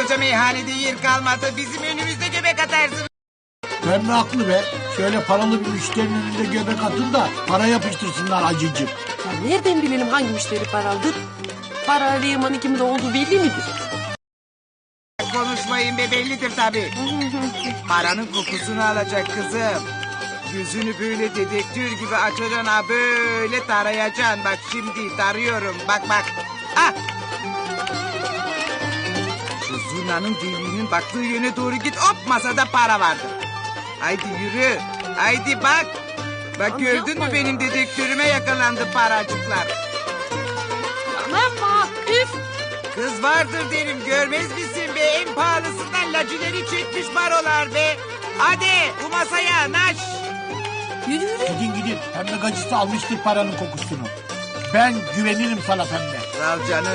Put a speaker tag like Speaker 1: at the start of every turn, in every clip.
Speaker 1: koskoca meyhanede yer kalmadı. Bizim önümüzde göbek atarsın.
Speaker 2: Ben mi haklı be? Şöyle paralı bir müşterinin önünde göbek atın da para yapıştırsınlar acıcık.
Speaker 3: Ya nereden bilelim hangi müşteri paralıdır? Para arayamanın kimde olduğu belli midir?
Speaker 1: Konuşmayın be, bellidir tabii. Paranın kokusunu alacak kızım. Yüzünü böyle dedektör gibi açacaksın, ha böyle tarayacaksın. Bak şimdi tarıyorum, bak bak. Ah! Şu zurnanın deliğinin baktığı yöne doğru git, hop masada para vardır. Haydi yürü, haydi bak. Bak
Speaker 3: Anne,
Speaker 1: gördün mü
Speaker 3: yapma
Speaker 1: benim
Speaker 3: ya.
Speaker 1: dedektörüme yakalandı paracıklar.
Speaker 3: Yapma, üf!
Speaker 1: Kız vardır derim, görmez misin be? En pahalısından lacileri çekmiş barolar be. Hadi bu masaya naş.
Speaker 3: Yürü yürü.
Speaker 2: Gidin. Pembe gacısı almıştır paranın kokusunu. Ben güvenirim sana pembe.
Speaker 1: Sağ ol canım.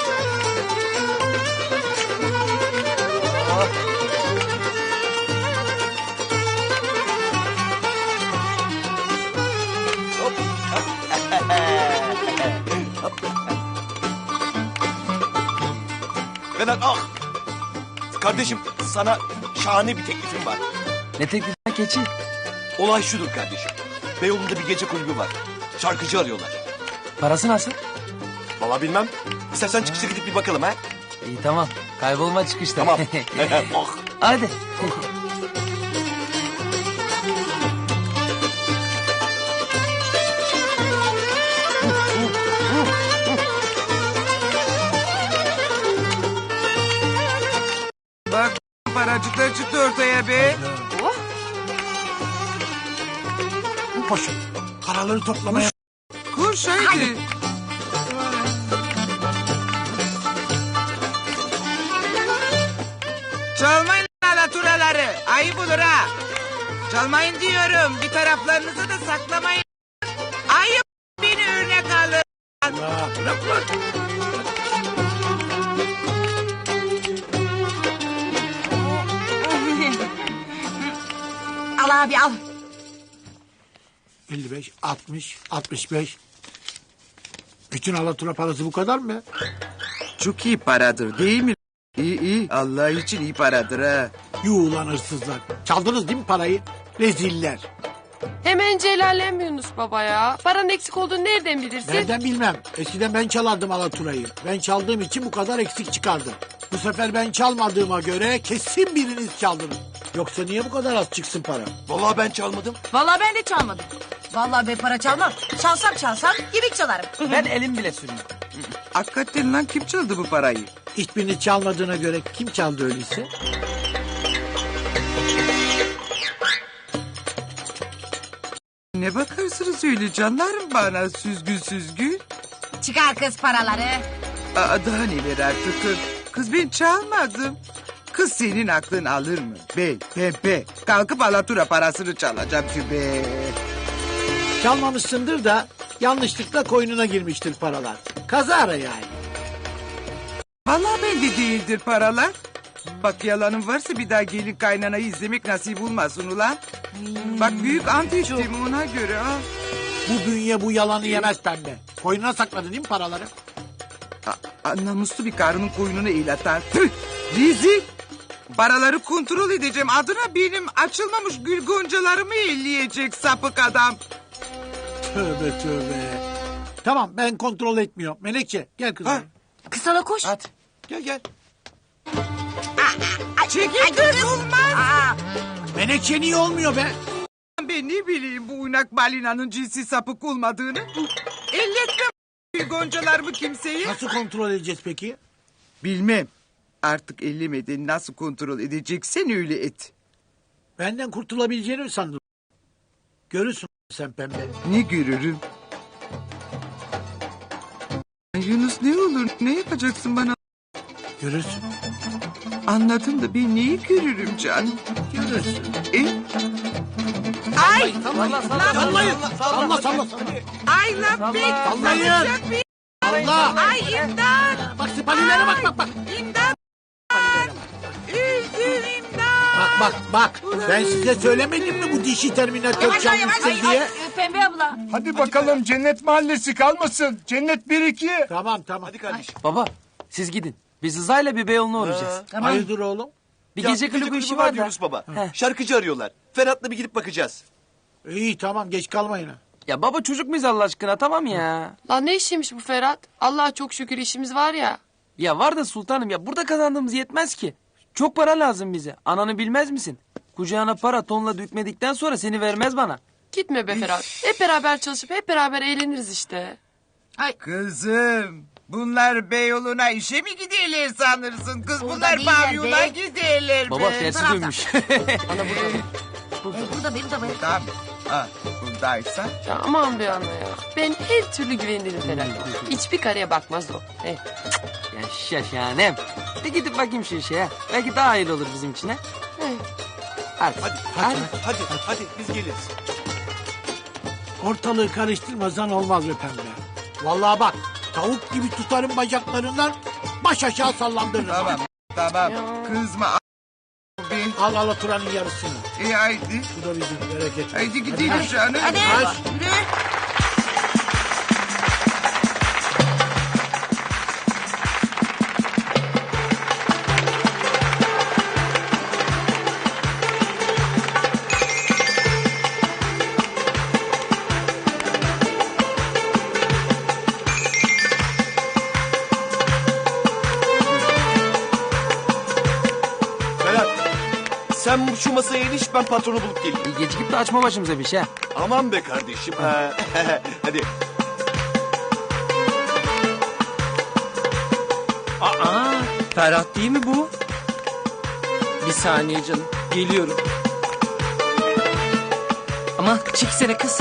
Speaker 4: Vedat ah! Kardeşim sana şahane bir teklifim var.
Speaker 5: Ne teklifi keçi?
Speaker 4: Olay şudur kardeşim. Beyoğlu'nda bir gece kulübü var. Şarkıcı arıyorlar.
Speaker 5: Parası nasıl?
Speaker 4: Vallahi bilmem. İstersen çıkışta gidip bir bakalım ha.
Speaker 5: İyi tamam. Kaybolma çıkışta.
Speaker 4: Tamam. Oh.
Speaker 5: Hadi.
Speaker 1: Bak paracıklar çıktı ortaya be.
Speaker 2: Koşun. Paraları toplamaya.
Speaker 1: Koş haydi. Çalmayın alaturaları. Ayıp olur ha. Çalmayın diyorum. Bir taraflarınızı da saklamayın. Ayıp, beni örnek alın.
Speaker 2: Ya, bırak lan.
Speaker 6: Al abi al.
Speaker 2: 55, 60, 65. Bütün alatura parası bu kadar mı?
Speaker 1: Çok iyi paradır değil mi? İyi iyi. Allah için iyi paradır ha.
Speaker 2: Yuh ulan hırsızlar. Çaldınız değil mi parayı? Reziller.
Speaker 3: Hemen celallenmiyorsunuz baba ya. Paranın eksik olduğunu nereden bilirsin?
Speaker 2: Nereden bilmem. Eskiden ben çalardım alaturayı. Ben çaldığım için bu kadar eksik çıkardı. Bu sefer ben çalmadığıma göre kesin biriniz çaldınız. Yoksa niye bu kadar az çıksın para?
Speaker 4: Vallahi ben çalmadım.
Speaker 6: Vallahi ben de çalmadım. Vallahi ben para çalmam. Çalsam yemek çalarım.
Speaker 5: Ben elim bile sürmüyorum.
Speaker 1: Hakikaten lan kim çaldı bu parayı?
Speaker 2: Hiçbirini çalmadığına göre kim çaldı öyleyse?
Speaker 1: Ne bakarsınız öyle canlarım bana süzgün süzgün?
Speaker 6: Çıkar kız paraları.
Speaker 1: Aa, daha neler artık kız. Kız ben çalmadım. Kız senin aklın alır mı? Ben pembe. Kalkıp alatura parasını çalacağım tübe.
Speaker 2: Çalmamışsındır da yanlışlıkla koynuna girmiştir paralar. Kazara yani.
Speaker 1: Vallahi bende değildir paralar. Bak yalanım varsa bir daha gelin kaynanayı izlemek nasip olmasın ulan. Bak büyük ant içtim ona göre ha.
Speaker 2: Bu bünye bu yalanı yemez pembe. Koynuna sakladın değil mi paraları?
Speaker 1: Namuslu bir karının koynunu el atar. Tüh, rezil. Paraları kontrol edeceğim. Adına benim açılmamış gül goncalarımı elleyecek sapık adam.
Speaker 2: Tövbe tövbe. Tamam ben kontrol etmiyorum. Menekşe gel kızım.
Speaker 1: Ha.
Speaker 6: Kız sana koş.
Speaker 5: Hadi.
Speaker 4: Gel.
Speaker 1: Çekil kız olmaz.
Speaker 2: Menekşe niye olmuyor be?
Speaker 1: Ben ne bileyim bu uynak balinanın cinsi sapık olmadığını. Elletme gül goncalarımı kimseye.
Speaker 2: Nasıl kontrol edeceğiz peki?
Speaker 1: Bilmem. Artık ellemeden nasıl kontrol edeceksen öyle et.
Speaker 2: Benden kurtulabileceğini mi sandın? Görürsün sen pembe.
Speaker 1: Ne görürüm? Yunus ne olur ne yapacaksın bana?
Speaker 2: Görürsün.
Speaker 1: Anladım da ben neyi görürüm canım?
Speaker 2: Görürsün.
Speaker 1: Ay!
Speaker 2: Sallayın. Salla.
Speaker 1: Ay lan be!
Speaker 2: Sallayın.
Speaker 1: Sallayacak bir-
Speaker 2: Allah.
Speaker 1: Ay imdat!
Speaker 2: Bak sipalilere bak.
Speaker 1: İmdat! Öldüm imdat!
Speaker 2: Bak. Ben size söylemedim mi bu dişi terminatör çalmışsın diye?
Speaker 6: Pembe abla.
Speaker 7: Hadi bakalım cennet mahallesi kalmasın. Cennet 1-2.
Speaker 2: Tamam.
Speaker 4: Hadi kardeşim.
Speaker 5: Baba siz gidin. Biz Rıza'yla bir Beyoğlu'na uğrayacağız.
Speaker 6: Tamam.
Speaker 2: Hayırdır oğlum?
Speaker 5: Bir
Speaker 4: Ya,
Speaker 5: gece kulübü işi var da.
Speaker 4: Yunus Baba.
Speaker 5: Heh.
Speaker 4: Şarkıcı arıyorlar. Ferhat'la bir gidip bakacağız.
Speaker 2: İyi tamam geç kalmayın ha.
Speaker 5: Ya baba çocuk muyuz Allah aşkına tamam ya.
Speaker 3: Lan ne işiymiş bu Ferhat? Allah'a çok şükür işimiz var ya.
Speaker 5: Ya var da sultanım ya burada kazandığımız yetmez ki. Çok para lazım bize. Ananı bilmez misin? Kucağına para tonla dökmedikten sonra seni vermez bana.
Speaker 3: Gitme be Ferhat. Hep beraber çalışıp hep beraber eğleniriz işte.
Speaker 1: Kızım bunlar Beyoğlu'na işe mi giderler sanırsın? Kız
Speaker 6: Burada
Speaker 1: bunlar
Speaker 6: değiller
Speaker 1: pavyona
Speaker 6: be.
Speaker 1: giderler
Speaker 5: Baba
Speaker 1: be.
Speaker 5: tersi
Speaker 6: tarafta.
Speaker 5: dönmüş.
Speaker 6: Burada benim de benim.
Speaker 1: Tamam. Ha, buradaysa.
Speaker 3: Ya aman be ana ya. Ben her türlü güvenirim Ferhat'a. Hiçbir kareye bakmaz o.
Speaker 5: Ya şaşanem. Bir gidip bakayım şu işe ya. Belki daha hayırlı olur bizim için ha. Hadi.
Speaker 4: Hadi biz geliriz.
Speaker 2: Ortalığı karıştırmasan olmaz be pembe. Vallahi bak tavuk gibi tutarım bacaklarından baş aşağı sallandırırım.
Speaker 1: Tamam.
Speaker 3: Ya.
Speaker 1: Kızma. Bir.
Speaker 2: Al alaturanın yarısını.
Speaker 1: Haydi.
Speaker 2: Bu da bizim bereket.
Speaker 1: Haydi gidelim canım.
Speaker 6: Hadi. Yürü.
Speaker 4: Ferhat sen şu masaya iniş ben patronu bulup geleyim.
Speaker 5: Bir gecikip de açma başımıza bir şey ha.
Speaker 4: Aman be kardeşim. Ha. Hadi.
Speaker 7: Aa, Ferhat değil mi bu? Bir saniye canım, geliyorum. Ama çeksene kız.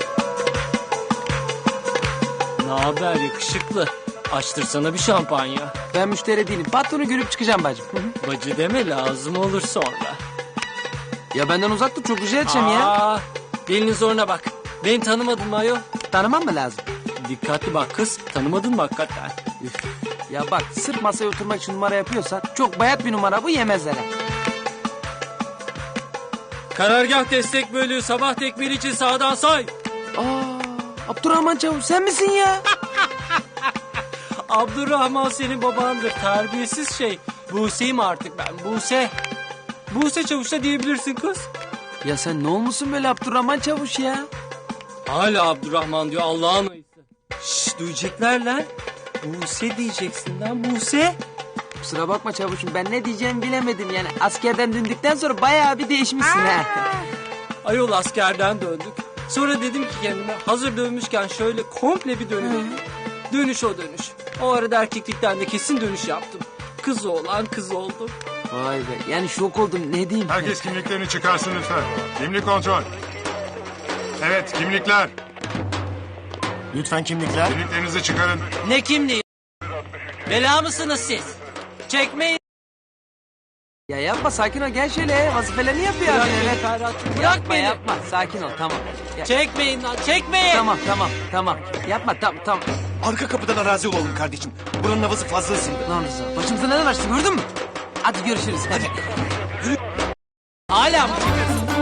Speaker 7: Ne haber yakışıklı? Açtırsana bir şampanya.
Speaker 5: Ben müşteri değilim. Patronu görüp çıkacağım bacım.
Speaker 7: Bacı deme lazım olur sonra.
Speaker 5: Ya benden uzak dur çok rica edeceğim ya.
Speaker 7: Aa, dilinin zoruna bak. Beni tanımadın mı ayol?
Speaker 5: Tanımam mı lazım?
Speaker 7: Dikkatli bak kız, tanımadın mı hakikaten?
Speaker 5: Üf. Ya bak sırf masaya oturmak için numara yapıyorsan çok bayat bir numara bu yemezler. ha.
Speaker 7: Karargah destek bölüğü sabah tekmili için sağdan say.
Speaker 5: Aa, Abdurrahman Çavuş sen misin ya?
Speaker 7: Abdurrahman senin babandır, terbiyesiz şey. Buse'yim artık ben, Buse. Buse Çavuş'a diyebilirsin kız.
Speaker 5: Ya sen ne olmuşsun böyle Abdurrahman Çavuş ya?
Speaker 7: Hala Abdurrahman diyor Allah'ın ayısı. Şşş duyacaklar lan. Buse diyeceksin lan Buse.
Speaker 5: Kusura bakma Çavuş'um ben ne diyeceğimi bilemedim yani. Askerden döndükten sonra bayağı bir değişmişsin ha.
Speaker 7: Ayol askerden döndük. Sonra dedim ki kendime hazır dönmüşken şöyle komple bir dönüyorum. Dönüş o dönüş. O arada erkeklikten de kesin dönüş yaptım. Kız oğlan kız oldu.
Speaker 5: Vay be yani şok oldum ne diyeyim.
Speaker 8: Herkes kimliklerini çıkarsın lütfen. Kimlik kontrol. Evet, kimlikler.
Speaker 4: Lütfen kimlikler.
Speaker 8: Kimliklerinizi çıkarın.
Speaker 7: Ne kimliği? Bela mısınız siz? Çekmeyin.
Speaker 5: Ya yapma sakin ol gel şöyle vazifelerini yapıyor abi.
Speaker 7: Bırak beni
Speaker 5: Evet.
Speaker 7: Ferhat. Bırak
Speaker 5: Yapma
Speaker 7: beni.
Speaker 5: yapma sakin ol tamam. Ya,
Speaker 7: Çekmeyin lan çekmeyin.
Speaker 5: tamam yapma tamam.
Speaker 4: Arka kapıdan arazi olalım kardeşim. Buranın havası fazla ısındı.
Speaker 5: Lan Rıza başımıza neler açtı gördün mü? Hadi görüşürüz hadi.
Speaker 7: Hala mı çekiyorsun?